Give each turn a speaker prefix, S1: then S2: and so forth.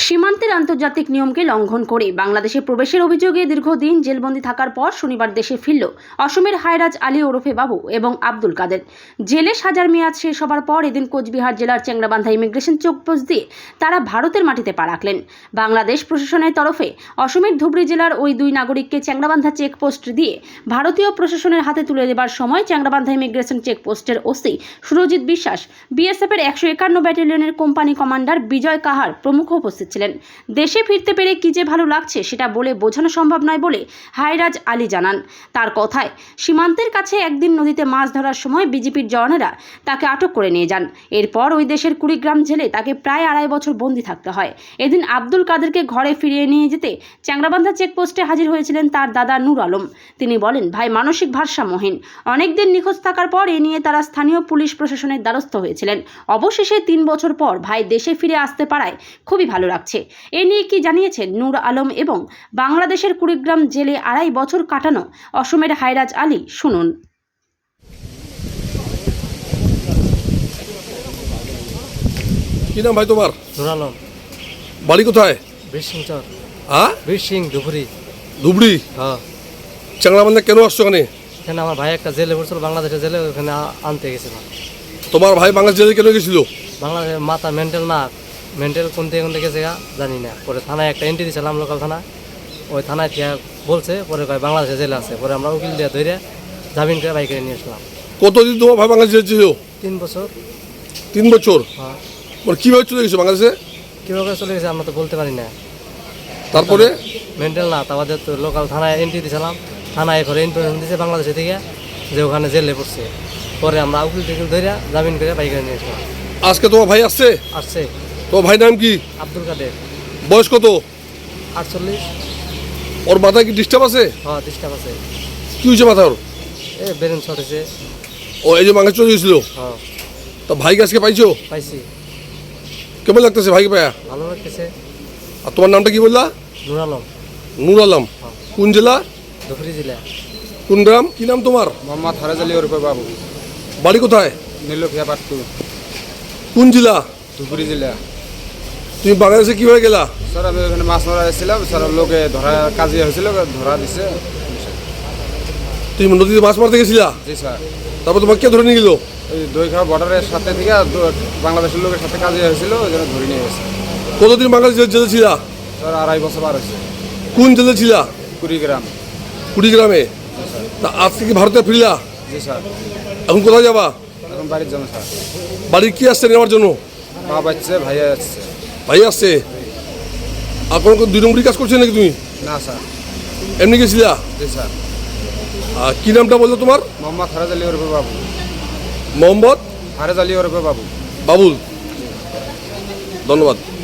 S1: সীমান্তের আন্তর্জাতিক নিয়মকে লঙ্ঘন করে বাংলাদেশে প্রবেশের অভিযোগে দীর্ঘদিন জেলবন্দি থাকার পর শনিবার দেশে ফিরল অসমের হায়রাজ আলী ওরফে বাবু এবং আব্দুল কাদের। জেলে সাজার মেয়াদ শেষ হবার পর এদিন কোচবিহার জেলার চ্যাংড়াবান্ধা ইমিগ্রেশন চেকপোস্ট দিয়ে তারা ভারতের মাটিতে পা রাখলেন। বাংলাদেশ প্রশাসনের তরফে অসমের ধুবড়ী জেলার ওই দুই নাগরিককে চ্যাংড়াবান্ধা চেকপোস্ট দিয়ে ভারতীয় প্রশাসনের হাতে তুলে দেবার সময় চ্যাংড়াবান্ধা ইমিগ্রেশন চেকপোস্টের ওসি সুরজিৎ বিশ্বাস, বিএসএফের 151 ব্যাটালিয়নের কোম্পানি কমান্ডার বিজয় কাহার প্রমুখ উপস্থিত ছিলেন। দেশে ফিরতে পেরে কি যে ভালো লাগছে সেটা বলে বোঝানো সম্ভব নয় বলে হায়রাজ আলী জানান। তার কথায় সীমান্তের কাছে একদিন নদীতে মাছ ধরার সময় বিজেপির জওয়ানেরা তাকে আটক করে নিয়ে যান। এরপর ওই দেশের কুড়িগ্রাম জেলে তাকে প্রায় 2.5 বছর বন্দী থাকতে হয়। এদিন আব্দুল কাদেরকে ঘরে ফিরিয়ে নিয়ে যেতে চ্যাংড়াবান্ধা চেকপোস্টে হাজির হয়েছিলেন তার দাদা নূর আলম। তিনি বলেন, ভাই মানসিক ভারসাম্যহীন, অনেকদিন নিখোঁজ থাকার পর এ নিয়ে তারা স্থানীয় পুলিশ প্রশাসনের দ্বারস্থ হয়েছিলেন। অবশেষে 3 বছর পর ভাই দেশে ফিরে আসতে পারায় খুবই ভালো লাগছে। এ নিয়ে কি জানিয়েছেন নূর আলম এবং বাংলাদেশের কুড়িগ্রাম জেলে 2.5 বছর কাটানো অসমের হায়রাজ আলী, শুনুন।
S2: কি নাম ভাই তোমার?
S3: নূর আলম।
S2: বাড়ি কোথায়?
S3: বীরসিংচর।
S2: হ্যাঁ,
S3: বীরসিং ধুবড়ি।
S2: ধুবড়ি।
S3: হ্যাঁ।
S2: চ্যাংড়াবান্ধা কেন আসছো ওখানে?
S3: এখানে আমার ভাই একটা জেলে পড়ছিল, বাংলাদেশের জেলে, ওখানে আনতে গেছিলাম।
S2: তোমার ভাই বাংলাদেশ জেলে কেন গেছিল?
S3: বাংলাদেশের মাথা মেন্টাল না, মেন্টাল কোন থেকে গেছে জানি না। পরে থানায় একটা এন্ট্রি দিয়েছিলাম, লোকাল থানা। ওই থানায় থেকে বলছে, পরে কয় বাংলাদেশের জেলে আছে। পরে আমরা উকিল দিয়ে ধরে জামিন করে বাইকে নিয়ে আসলাম।
S2: কতদিন তোমার ভাই বাংলাদেশ জেলে ছিল?
S3: 3 বছর।
S2: 3 বছর?
S3: হ্যাঁ।
S2: মানে কিভাবে চলে গেছো বাংলাদেশে?
S3: কীভাবে চলে গেছে আমরা তো বলতে পারি না।
S2: তারপরে
S3: মেন্টাল না, তাদের তো লোকাল থানায় এন্ট্রি দিয়েছিলাম। থানায় ঘরে ইনফরমেশন দিয়েছে বাংলাদেশে থেকে যে ওখানে জেলে পড়ছে। পরে আমরা উকিল টুকিল ধরে জামিন করে বাইকে নিয়ে আসলাম।
S2: আজকে তোমার ভাই আসছে?
S3: আসছে।
S2: তোমার ভাই নাম কি?
S3: আব্দুল কাদের।
S2: বয়স কত?
S3: 48।
S2: ওর মাথায় কি ডিস্টার্ব আছে?
S3: হ্যাঁ, ডিস্টার্ব আছে।
S2: কি হয়েছে মাথা ওর?
S3: বেরেন ছড়েছে।
S2: ও এই যে বাংলাদেশ চলে গেছিল?
S3: হ্যাঁ।
S2: তো ভাইকে আজকে পাইছো?
S3: পাইছি।
S2: কেমন লাগতেছে ভাইকে পায়া?
S3: ভালো লাগতেছে।
S2: আর তোমার নামটা কি বললা?
S3: নূর আলম।
S2: নূর আলম। কোন জেলা?
S3: ধুবড়ী জেলা।
S2: কোন গ্রাম? কি নাম তোমার?
S4: মোহাম্মদ হায়রাজ আলী ওরফে বাবু।
S2: বাড়ি কোথায়?
S4: নীলক্ষিয়া পাট্টু,
S2: কোন জেলা?
S4: ধুবড়ী জেলা।
S2: তুমি বাংলাদেশে কিভাবে গেলা?
S4: স্যার আমি ওখানে মাছ মারা এসেছিলাম, স্যার লোকে ধরা কাজে হয়েছিল, ধরা দিছে।
S2: তুমি নদীতে মাছ মারতে গেছিলা?
S4: জি স্যার।
S2: তারপর তোমাকে কে ধরে নিয়ে গেল?
S4: ওই দইখাওয়া বর্ডারের সাথে থেকে বাংলাদেশের লোকের সাথে কাজে হয়েছিল, ওই জন্য ধরে নিয়ে গেছে।
S2: কতদিন বাংলাদেশ জেলে ছিলা?
S4: স্যার 2.5 বছর পার হয়েছে।
S2: কোন জেলে ছিলা?
S4: কুড়িগ্রাম।
S2: কুড়িগ্রামে। তা আজকে কি ভারতে ফিরলা?
S4: জি স্যার।
S2: এখন কোথায় যাবা?
S4: এখন বাড়ির জন্য স্যার।
S2: বাড়ির কি আসছে নেওয়ার জন্য?
S4: মা বাচ্চা ভাইয়া আসছে।
S2: ভাই আসছে। আর কোনো 2 নম্বরই কাজ করছে নাকি তুমি?
S4: না স্যার,
S2: এমনি গেছিলা?
S4: জি স্যার।
S2: আর কি নামটা বললো তোমার?
S4: মোহাম্মদ হায়রাজ আলী ওরফে বাবু।
S2: মোহাম্মদ
S4: হায়রাজ আলী ওরফে বাবু।
S2: বাবুল। ধন্যবাদ।